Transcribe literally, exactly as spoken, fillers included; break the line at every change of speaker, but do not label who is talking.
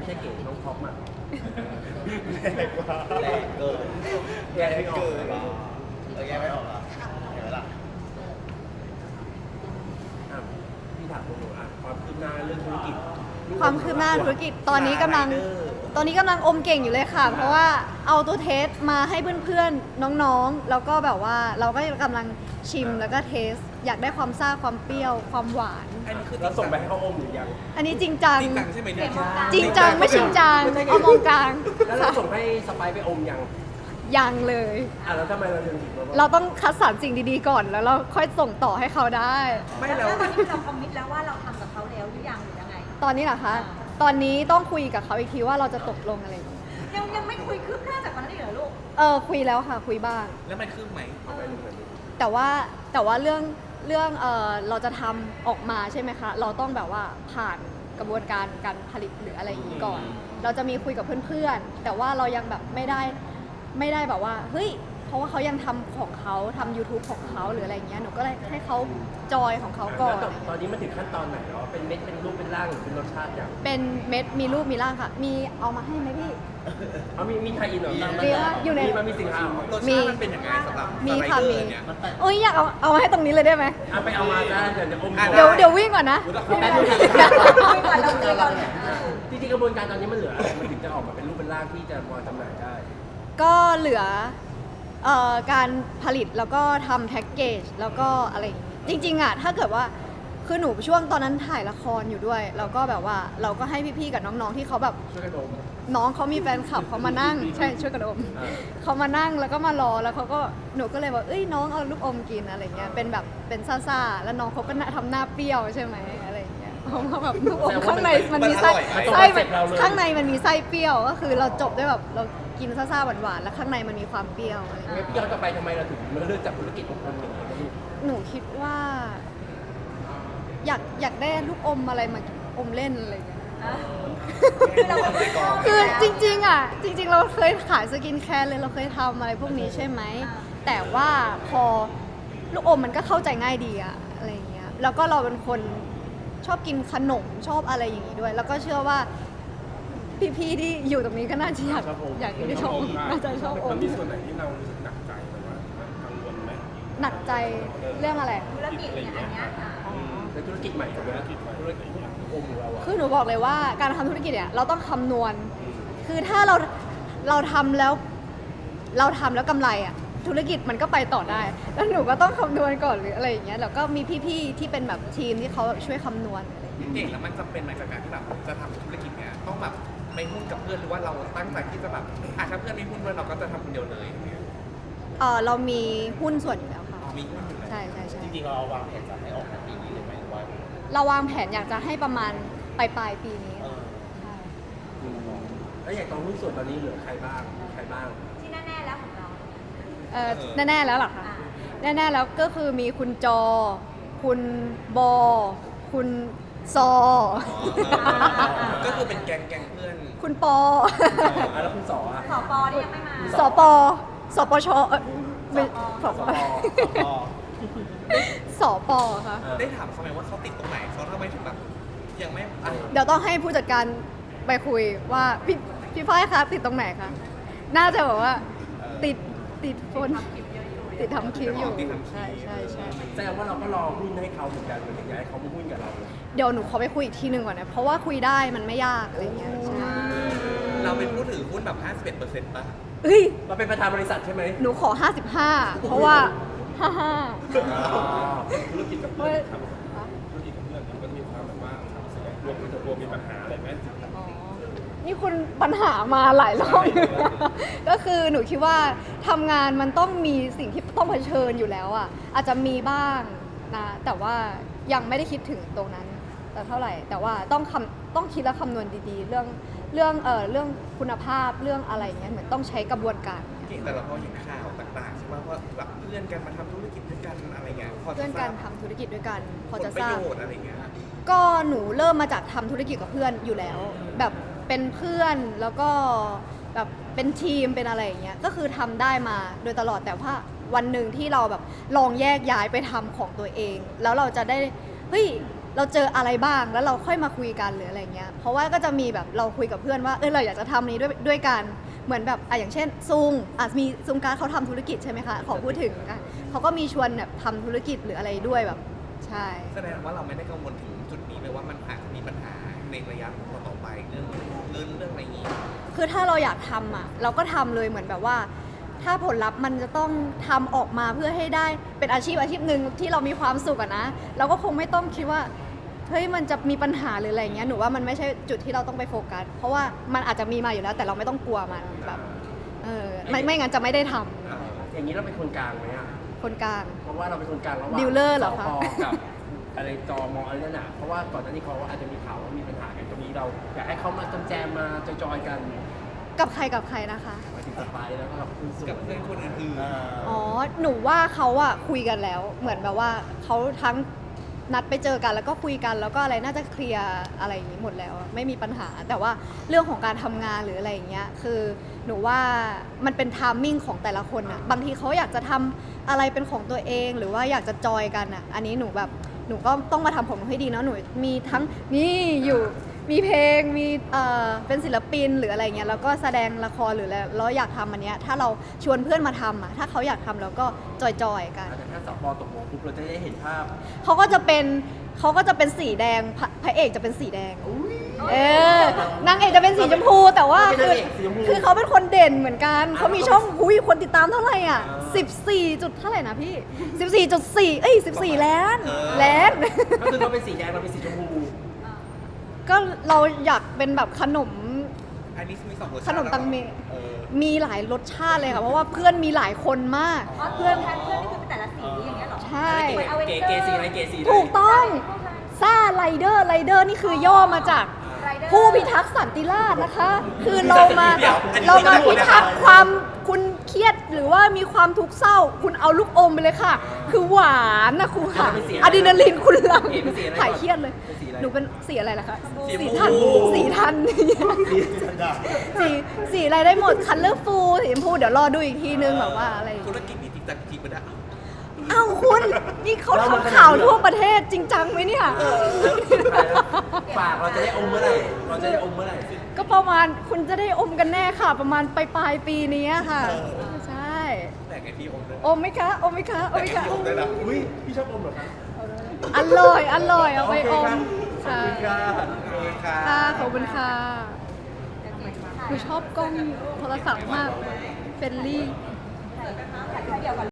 ใช่เก๋น้องท็อปอ่ะ
แรงกว่าแรงเกิน
แยกไม่ออก
เกินเออแยกไม่ออกเหรอเห็นไหมล่ะ
อ่ะพี่ถามตรงๆอ่ะความคืบหน้าเรื่องธุรกิจ
ความคืบหน้าธุรกิจตอนนี้กำลังตอนนี้กำลังอมเก่งอยู่เลยค่ะ เพราะว่าเอาตัวเทสมาให้เพื่อนๆน้องๆแล้วก็แบบว่าเราก็กำลังชิมแล้วก็เทสอยากได้ความซ่าความเปรี้ยวความหวาน
อันนี้คือ
เราส่งไปให้เขาอมหรือยัง
อันนี้จริงจัง
จริงจังใช่ไหมเนี่ย
จริงจังไม่จริงจังเอามองกลาง
แล้วเราส่งให้สไปซ์ไปอมยัง
ยังเลย
อ่ะแล้วทำไมเราถึงถึงแบบว่า
เราต้องคัดสรรสิ่งดีๆก่อนแล้วเราค่อยส่งต่อให้เขาได้
ไม่แล้ว
ตอนนี้เราคอมมิตแล้วว่าเราทำกับเขาแล้วหรือยังหรือยังไง
ตอนนี้เหรอคะตอนนี้ต้องคุยกับเขาอีกทีว่าเราจะตกลงอะไรอย่างเงี้ย
ยังยังไม่คุยคืบหน้าจากวันนั้นอีกเหรอลูก
เออคุยแล้วค่ะคุยบ้าง
แล้วมันคืบไหม
แต่ว่าแต่ว่าเรื่องเรื่องเออเราจะทำออกมาใช่ไหมคะ เราต้องแบบว่าผ่านกระบวนการการผลิตหรืออะไรอย่างนี้ก่อน เราจะมีคุยกับเพื่อนๆ แต่ว่าเรายังแบบไม่ได้ไม่ได้แบบว่าเฮ้ยเพราะว่าเขายังทำของเขาทำ YouTube ของเขาหรืออะไรอย่างเงี้ยหนูก็เลยให้เขาจอยของเขาก่อน
แล้วตอนนี้มันถึงขั้นตอนไหนแล้วเป็นเม็ดเป็นรูปเป็นร่างหรือเป็นรสชาติอย่าง
เป็นเม็ดมีรูปมีร่างค่ะ มีเอามาให้ไหมพี่
เอามีมีไทยอินเหรอ
มีว่าอยู่ใน
มีมันมีสินค้าเหรอ
รส
มี
ชาติมันเป็นยังไงสำหรับ
มี
สไล
ค่ะ
เดอ
มี
ร์เนี่ย
โอ้ยอยากเอาเอามาให้ตรงนี้เลยได้ไหม
เอาไปเอามาได้เดี๋ยวจะอม
อ่ะ
เดี๋ยวเดี๋ยววิ่งก่อนนะ
แป๊บนึง
คุยก่อนเราคุยก่อน
จริงๆกระบวนการตอนนี้มันเหลืออะไรมันถึงจะออกมาเป็นรูปเป็นร่างที่จะวางจำหน่ายได้
ก็เหลือเอ่อการผลิตแล้วก็ทำแพ็กเกจแล้วก็อะไรอย่างงี้จริงๆอ่ะถ้าเกิดว่าคือหนูช่วงตอนนั้นถ่ายละครอยู่ด้วยแล้วก็แบบว่าเราก็ให้พี่ๆกับน้องๆที่เขาแบบ
ช่วยกันดม
น้องเขามีแฟนคลับเขามานั่งใช่ช่วยกันอม
อ่า
เขามานั่งแล้วก็มารอแล้วเขาก็หนูก็เลยบอกเอ้ยน้องเอาลูกอมกินอะไรเงี้ยเป็นแบบเป็นซ่าๆแล้วน้องเขาก็น่าทำหน้าเปรี้ยวใช่ไหมอะไรอย่างเงี้ยเพราะว่าแบบลูกอมข้างในมันมีไส้ไส้มันข้างในมันมีไส้เปรี้ยวก็คือเราจบด้วยแบบเรากินซ่าๆหวานๆแล้วข้างในมันมีความเปรี้ยวอะไรเงี้ย
ไม่พี่ย้อนกลับไปทำไมเราถึงมาเลือกจับธุรกิจของคนอย่างนี้นะลูก
หนูคิดว่า อยากอยากได้ลูกอมอะไรมาอมเล่นอะไรเงี้ย
คือเรา
คือจริงๆอ่ะจริง ๆ เราเคยขายสกินแคร์เลยเราเคยทำอะไรพวกนี้ใช่ไหมแต่ว่าพอลูกอมมันก็เข้าใจง่ายดีอะอะไรเงี้ยแล้วก็เราเป็นคนชอบกินขนมชอบอะไรอย่างนี้ด้วย แล้วก็เชื่อว่าพี่ๆที่อยู่ตรงนี้ก็น่าจะอยากอยากกินชอบน่าจะชอบอม
มันมีส่วนไหนที่เรารู้สึกหนักใจหรือว่ากังวลไหม
หนักใจเรื่องอะไร
ธุรกิจเนี่ยอันเนี้ยอ่ะ
เป็นธุรกิจใหม่ถูกไหม
ธุรกิจใหม่
ธุรกิจอมของเราอะ
คือหนูบอกเลยว่าการทำธุรกิจเนี่ยเราต้องคำนวณ คือถ้าเราเราทำแล้วเราทำแล้วกำไรอ่ะธุรกิจมันก็ไปต่อได้ แล้วหนูก็ต้องคำนวณก่อนหรืออะไรอย่างเงี้ยแล้วก็มีพี่ๆที่เป็นแบบทีมที่เขาแบบช่วยคำนวณอะไรอย่างเงี้ย
เก่งแล้วมันจำเป็นไหมจากการที่แบบจะทำธุรกิจเนี่ยต้องแบบไปหุ้นกับเพื่อนหรือว่าเราตั้งใจที่จะแบบอ่ะถ้าเพื่อนไม่หุ้นด้วยเราก็จะทำคนเดียวเลยอย่างเงี้ย
เออเรามีหุ้นส่วนอยู่แล้วค่ะ
อ๋อมีหุ้นอยู่แล้ว
ใช่ใช่ใช่
จริงๆเราวางแผนจะให้ออกในปีนี้เลยไหมหรือว่า
เราวางแผนอยากจะให้ประมาณปลายปลายๆปีนี้
เออ
ใช่
อืมแล้วอย่างตอนหุ้นส่วนตอนนี้เหลือใครบ้างใครบ้าง
ที่แน่ๆแล้วของเรา
เออแน่ๆแล้วเหรอคะ
อ่า
แน่ๆแล้วก็คือมีคุณจอ คุณบอ คุณซอ
ก็คือเป็นแก๊งแก๊งเพื่อน
คุณปอ
อ่ะแล้วคุณสออะ
สปอที่ยังไม่มา
สปสปชเอ่อไม่สป
ก็
สปค่ะ
ได้ถามเขาไหมว่าเขาติดตรงไหนเขาทำไมถึงแบบยังไม่อ่ะ
เดี๋ยวต้องให้ผู้จัดการไปคุยว่าพี่พี่ฝ้ายคะติดตรงไหนคะน่าจะแบบว่าติดติดฝนติดทำคิวอยู่ใช่ใช่ใช่
แสดงว่าเราก็รอหุ้นให้เขาเหมือนกันเหมือนอยากให้เขามาหุ้นกับเรา
เดี๋ยวหนูขอไปคุยอีกทีหนึ่งก่อนนะเพราะว่าคุยได้มันไม่ยากอะไรเงี้ยใช่
เราเป็นผู้ถือหุ้นแบบ ห้าสิบเอ็ดเปอร์เซ็นต์ ป่ะ
เอ้ย
เราเป็นประธานบริษัทใช่ไหม
หนูขอ ห้าสิบห้า เพราะว่า ห้าห้า
ธุรกิจกับเพื่อนทำธุรกิจกับเพื่อนมันก็มีความแบบว่ารวมกันตัวมีปัญหาอะไรไหม
อ๋อนี่คุณปัญหามาหลายรอบอยู่นะก็คือหนูคิดว่าทำงานมันต้องมีสิ่งที่ต้องเผชิญอยู่แล้วอ่ะอาจจะมีบ้างนะแต่ว่ายังไม่ได้คิดถึงตรงนั้นแต่เท่าไหร่ แต่ว่าต้องคำต้องคิดและคำนวณดีๆ เรื่องเรื่องเอ่อเรื่องคุณภาพเรื่องอะไรอย่างเงี้ยเหมือนต้องใช้กระบวนการ
เก่งแต่เราพอเห็นข่าวต่างๆใช่ไหมว่าแบบเพื่อนกันมาทำธุรกิจด้วยกันอะไรเงี้ยพอจะ
เพื่อน
ท
กั
ราน บ
ทำธุรกิจด้วยกัน พอจะ
ผล
ท
ประ
ราบ
โยชน์อะไรเงี้ย
ก็หนูเริ่มมาจากทำธุรกิจกับเพื่อนอยู่แล้ว แบบเป็นเพื่อนแล้วก็แบบเป็นทีมเป็นอะไรอย่างเงี้ยก็คือทำได้มาโดยตลอดแต่ว่าวันหนึ่งที่เราแบบลองแยกย้ายไปทำของตัวเอง แล้วเราจะได้เฮ้ยเราเจออะไรบ้างแล้วเราค่อยมาคุยกันหรืออะไรเงี้ยเพราะว่าก็จะมีแบบเราคุยกับเพื่อนว่าเออเราอยากจะทำนี้ด้วยด้วยกันเหมือนแบบอ่ะอย่างเช่นซุงอ่ะมีซุงการ์ดเขาทำธุรกิจใช่ไหมคะขอพูดถึงอ่ะเขาก็มีชวนแบบทำธุรกิจหรืออะไรด้วยแบบใช่
แสดงว่าเราไม่ได้กังวลถึงจุดนี้เลยว่ามันอาจจะมีปัญหาในระยะต่อๆไปเรื่องเรื่องเรื่องอะไรอย่างนี้
คือถ้าเราอยากทำอ่ะเราก็ทำเลยเหมือนแบบว่า ถ้าผลลัพธ์มันจะต้องทำออกมาเพื่อให้ได้เป็นอาชีพอาชีพหนึ่งที่เรามีความสุขอะนะเราก็คงไม่ต้องคิดว่าเฮ้ยมันจะมีปัญหาหรืออะไรเงี้ยหนูว่ามันไม่ใช่จุดที่เราต้องไปโฟกัสเพราะว่ามันอาจจะมีมาอยู่แล้วแต่เราไม่ต้องกลัวมันแบบเออไม่ไม่งั้นจะไม่ได้ทำ
อย่างนี้เราเป็นคนกลางไหมอ่ะ
คนกลาง
เพราะว่าเราเป็นคนกลางระหว่าง
ดีลเลอร์เหรอคะ
สปกับอะไรจอมออะไรนั่นน่ะเพราะว่าก่อนหน้านี้เขาอาจจะมีข่าวว่ามีปัญหากันตรงนี้เราอยากให้เขามาแจมๆมาจอยๆกัน
กับใครกับใครนะคะ
หมายถึงสไปแล้วก็กับคุณสุ
กับเพื่อนคนอื่น
อ่า
อ๋อ หนูว่าเขาอะคุยกันแล้ว เหมือนแบบว่าเขาทั้งนัดไปเจอกันแล้วก็คุยกันแล้วก็อะไรน่าจะเคลียร์อะไรอย่างนี้หมดแล้วอะไม่มีปัญหา แต่ว่าเรื่องของการทำงานหรืออะไรอย่างเงี้ย คือหนูว่ามันเป็นไทามมิ่งของแต่ละคนอะบางทีเขาอยากจะทำอะไรเป็นของตัวเอง หรือว่าอยากจะจอยกันอะอันนี้หนูแบบหนูก็ต้องมาทำของหนูให้ดีเนาะ หนูมีทั้งนี่อยู่ มีเพลง มีเอ่อเป็นศิลปินหรืออะไรเงี้ย แล้วก็แสดงละครหรืออะไรแล้วอยากทำอันเนี้ย ถ้าเราชวนเพื่อนมาทำอ่ะ ถ้าเขาอยากทำเราก็จอยๆกัน
แต่ถ้าสปตกลงปุ๊บเราจะได้เห็นภาพ
เขาก็จะเป็นเขาก็จะเป็นสีแดงพระพระเอกจะเป็นสีแดง เออนางเอกจะเป็นสีชมพู แต่ว่า
เรา
คือ
เป็นนางเอกสีชมพู
คือเขาเป็นคนเด่นเหมือนกัน เขามีช่องหุยคนติดตามเท่าไหร่อ่ะ
อ่า
สิบสี่จุดเท่าไหร่นะพี่สิบสี่จุดสี่เอ้ยสิบสี่ล้านล้าน
ก็คือเขาเป็นสีแดงเราเป็นสีชมพู
ก็เราอยากเป็นแบบขนม
ๆอันนี้มีสองรสชาติ
ขนมตังเม
เออ
มีหลายรสชาติเลยค่ะ เพราะว่าเพื่อนมีหลายคนมาก
อ๋อเพื่อนแทนเพื่อนนี่คือเป็นแต่ละสีอย่างเงี้ยเหรอ
ใช่
เก๋เกสีอะไรเกสีอะไร
ถูกต้องซ่าไรเดอร์ไรเดอร์นี่คือย่อมาจาก ผู้พิทักษ์สันติราษฎร์นะคะ คือเรามาเรามาพิทักษ์ความคุณเครียดหรือว่ามีความทุกข์เศร้า คุณเอาลูกอมไปเลยค่ะ คือหวานนะครูค่ะอะดรีนาลีนคุณหลังหายเครียดเลย หนูเป็นสีอะไรล่ะคะสีทันสีทัน สีสีอะไรได้หมดคันเลอร์ฟูสีชมพูเดี๋ยวรอดูอีกทีนึงแบบว่าอะไร
ธุรกิจนี้จริงจังจริงปะเนี่ย
เอ้าคุณนี่เขาทำข่าวทั่วประเทศจริงจังไหมเนี่ย
ฝากเราจะได้อมเมื่อไหร่เราจะได้อมเมื่อไหร่
ก็ประมาณคุณจะได้อมกันแน่ค่ะ ประมาณปลายปลายๆปีนี้ค่ะ ใช่
แต่ไงพี่อมเลย
อมไหมคะอมไหมคะอมไหมคะ
อมได้ละ
อุ้ยพี่ชอบอมเหรอคะ
อร่อยอร่อยเอาไปอม
ขอบคุณค่ะ
เออค่ะ
ค่ะขอบคุณค่ะหนูชอบกล้องโทรศัพท์มากเฟรนลี่
เดี๋ยวก่อน